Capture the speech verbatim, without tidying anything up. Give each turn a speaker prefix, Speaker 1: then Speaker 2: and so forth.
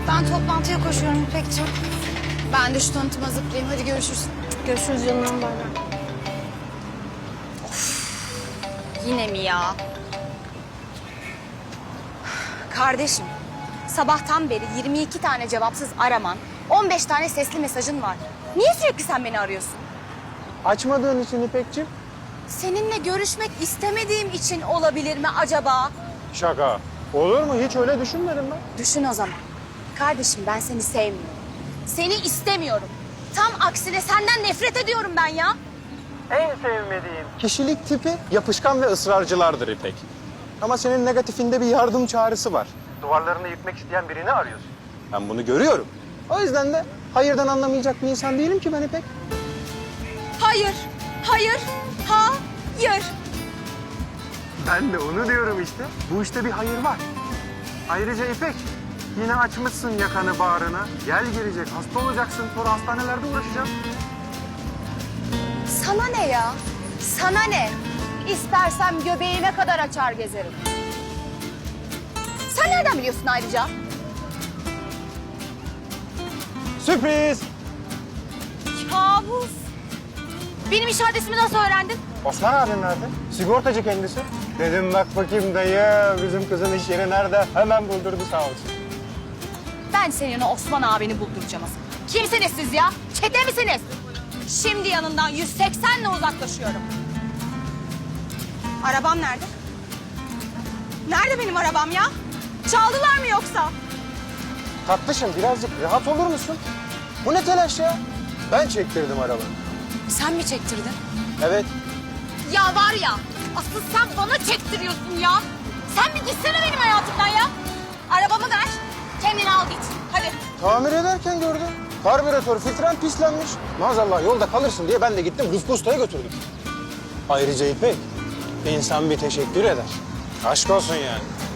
Speaker 1: Ben toplantıya koşuyorum İpekciğim. Ben de şu tanıtıma zıplayayım. Hadi görüşürüz.
Speaker 2: Görüşürüz canım, bay bay.
Speaker 1: Yine mi ya? Kardeşim, sabahtan beri yirmi iki tane cevapsız araman, on beş tane sesli mesajın var. Niye sürekli sen beni arıyorsun?
Speaker 3: Açmadığın için İpekciğim.
Speaker 1: Seninle görüşmek istemediğim için olabilir mi acaba?
Speaker 3: Şaka. Olur mu? Hiç öyle düşünmedim ben.
Speaker 1: Düşün o zaman. Kardeşim ben seni sevmiyorum. Seni istemiyorum. Tam aksine senden nefret ediyorum ben ya.
Speaker 3: En sevmediğim kişilik tipi yapışkan ve ısrarcılardır İpek. Ama senin negatifinde bir yardım çağrısı var. Duvarlarını yıkmak isteyen birini arıyorsun. Ben bunu görüyorum. O yüzden de hayırdan anlamayacak bir insan değilim ki ben İpek.
Speaker 1: Hayır, hayır, hayır.
Speaker 3: Ben de onu diyorum işte. Bu işte bir hayır var. Ayrıca İpek, yine açmışsın yakanı bağrına. Gel gelecek, hasta olacaksın. Sonra hastanelerde uğraşacağım.
Speaker 1: Sana ne ya? Sana ne? İstersem göbeğime kadar açar gezerim. Sen nereden biliyorsun ayrıca?
Speaker 3: Sürpriz!
Speaker 1: Kabus. Benim iş adresimi nasıl öğrendin?
Speaker 3: Osman abim nerede? Sigortacı kendisi. Dedim bak bakayım dayı, bizim kızın iş yeri nerede? Hemen buldurdu sağ olsun.
Speaker 1: Ben senin o Osman abini bulduracağım asıl. Kimsiniz siz ya? Çete misiniz? Şimdi yanından yüz seksenle uzaklaşıyorum. Arabam nerede? Nerede benim arabam ya? Çaldılar mı yoksa?
Speaker 3: Tatlışım birazcık rahat olur musun? Bu ne telaş ya? Ben çektirdim arabayı.
Speaker 1: Sen mi çektirdin?
Speaker 3: Evet.
Speaker 1: Ya var ya, asıl sen bana çektiriyorsun ya. Sen bir gitsene benim hayatımdan ya. Arabamı ver, kendini al git. Hadi.
Speaker 3: Tamir ederken gördüm. Karbüratör filtren pislenmiş. Maazallah yolda kalırsın diye ben de gittim Rıfkı Usta'ya götürdüm. Ayrıca İpek, insan bir teşekkür eder. Aşk olsun yani.